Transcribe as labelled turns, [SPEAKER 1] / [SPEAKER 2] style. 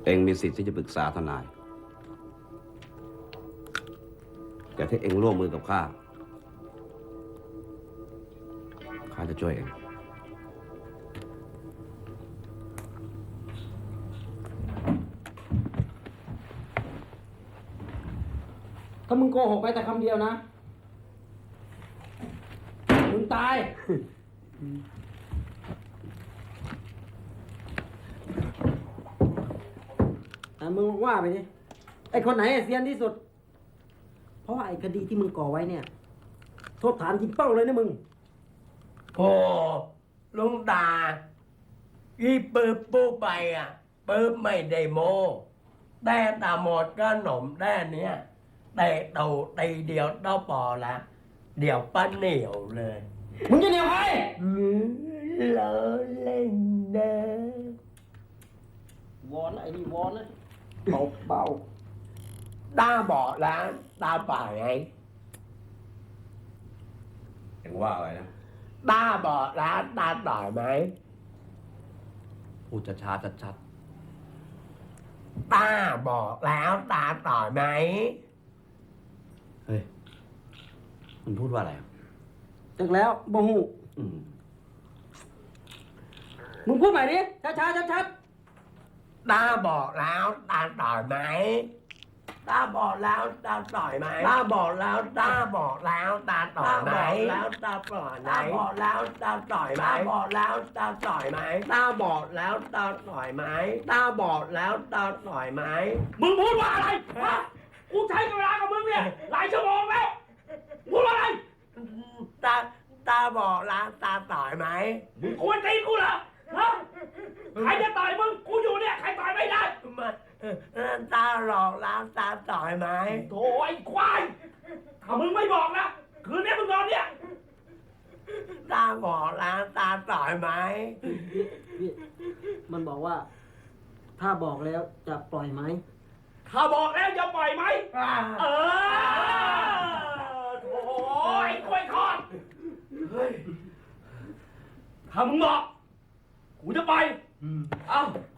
[SPEAKER 1] เองมีสิทธิ์ที่จะปรึกษาทนายแต่ถ้าเองร่วมมือกับข้าจะช่วยเอง
[SPEAKER 2] ถ้ามึงโกหกไปแต่คำเดียวนะมึงตายมึงว่าไปดิไอ้คนไหนเซียนที่สุดเพราะว่าไอ้คดีที่มึงก่อไว้เนี่ยโทษฐานจริงเป้าเลยนะมึง
[SPEAKER 3] โอ้ลุงตาอีปืบปูไปอ่ะปืบไม่ได้โมแต่ตาหมดก็หนมแด้เนี้ยแต่เต่าตีเดียวเต้าปอละเดี๋ยวป้าเหนียวเลย
[SPEAKER 2] มึงจะเหนียวใคร
[SPEAKER 3] เลอเล่นเด้อ
[SPEAKER 2] วอนไอ้นี่วอนนะเบา
[SPEAKER 3] ตาบอกแล้วตาป่าไง
[SPEAKER 1] เองว่าอะไรนะ
[SPEAKER 3] ตาบอกแล้วตาต่อยไหม
[SPEAKER 1] พูดช้าๆชัด
[SPEAKER 3] ตาบอกแล้วตาต่อยไหม
[SPEAKER 1] ๆเฮ้ยมันพูดว่าอะไรอ่ะ
[SPEAKER 2] ๆจากแล้วบ่หู
[SPEAKER 1] อืม
[SPEAKER 2] มึงพูดใหม่ดิช้าๆชัด
[SPEAKER 3] ตาบอกแล้วตาต่อยไหมตาบอกแล้วตาต่อยไหมตาบอกแล้วตาบอกแล้วตาต่อยไหมแล้วตาต่อยไหมตาบอกแล้วตาต่อยไหมตาบอกแล้วตาต่อยไหมตาบอกแล้วตาต่อยไหมตาบอกแล้วตาต่อยไหม
[SPEAKER 2] มึงพูดว่าอะไรฮะกูใช้เวลากับมึงเนี่ยหลายชั่วโมงแล้วพูดว่าอะไร
[SPEAKER 3] ตาตาบอกแล้วตาต่อยไหม
[SPEAKER 2] มึงควรตีกูเหรอฮะใครจะต่อยมึงกูอยู่เนี่ยใครต่อยไม่ได้
[SPEAKER 3] มาตาหลอกแล้วตาต่อยไหม
[SPEAKER 2] โถ่ไอ้ควายถ้ามึงไม่บอกนะคืนนี้มึงนอนเนี่ย
[SPEAKER 3] ตาบอกแล้วตาต่อยไหม
[SPEAKER 2] พี่มันบอกว่า ถ้าบอกแล้วจะปล่อยไหม
[SPEAKER 4] ถ้าบอกแล้วจะปล่อยไหม เออโถ่ไอ้กล้วยทอดเฮ้ยถ้ามึงบอกกูจะไป เอ้า